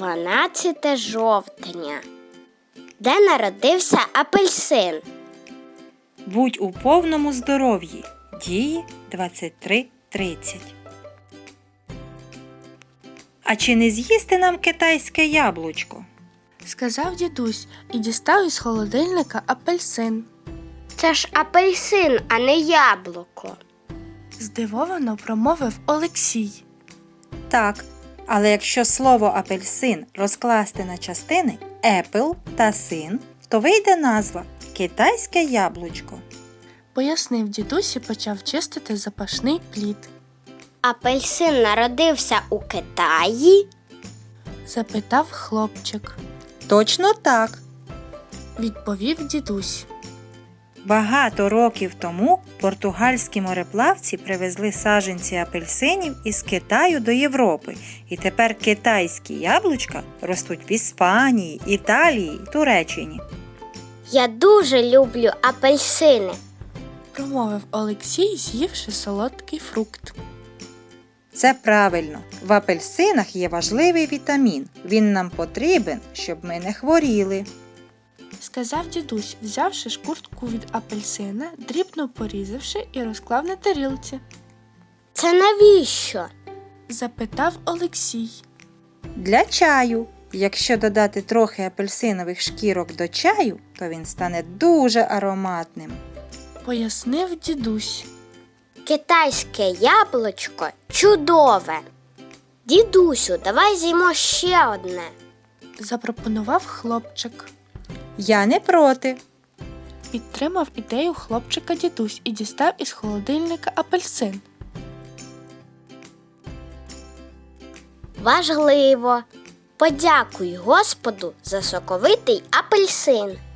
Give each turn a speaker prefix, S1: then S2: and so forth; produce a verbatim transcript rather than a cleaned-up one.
S1: дванадцяте жовтня. Де народився апельсин?
S2: Будь у повному здоров'ї. Дії двадцять три тридцять. А чи не з'їсти нам китайське яблучко?
S3: Сказав дідусь і дістав із холодильника апельсин.
S1: Це ж апельсин, а не яблуко.
S3: Здивовано промовив Олексій.
S2: Так, але якщо слово апельсин розкласти на частини apple та син, то вийде назва китайське яблучко.
S3: Пояснив дідусь і почав чистити запашний плід.
S1: Апельсин народився у Китаї?
S3: Запитав хлопчик.
S2: Точно так.
S3: Відповів дідусь.
S2: Багато років тому португальські мореплавці привезли саджанці апельсинів із Китаю до Європи. І тепер китайські яблучка ростуть в Іспанії, Італії, Туреччині.
S1: Я дуже люблю апельсини.
S3: Промовив Олексій, з'ївши солодкий фрукт.
S2: Це правильно. В апельсинах є важливий вітамін. Він нам потрібен, щоб ми не хворіли.
S3: Сказав дідусь, взявши шкуртку від апельсина, дрібно порізавши і розклав на тарілці.
S1: Це навіщо?
S3: Запитав Олексій.
S2: Для чаю. Якщо додати трохи апельсинових шкірок до чаю, то він стане дуже ароматним.
S3: Пояснив дідусь.
S1: Китайське яблучко чудове. Дідусю, давай з'їмо ще одне.
S3: Запропонував хлопчик.
S2: Я не проти.
S3: Підтримав ідею хлопчика дідусь і дістав із холодильника апельсин.
S1: Важливо. Подякуй Господу за соковитий апельсин.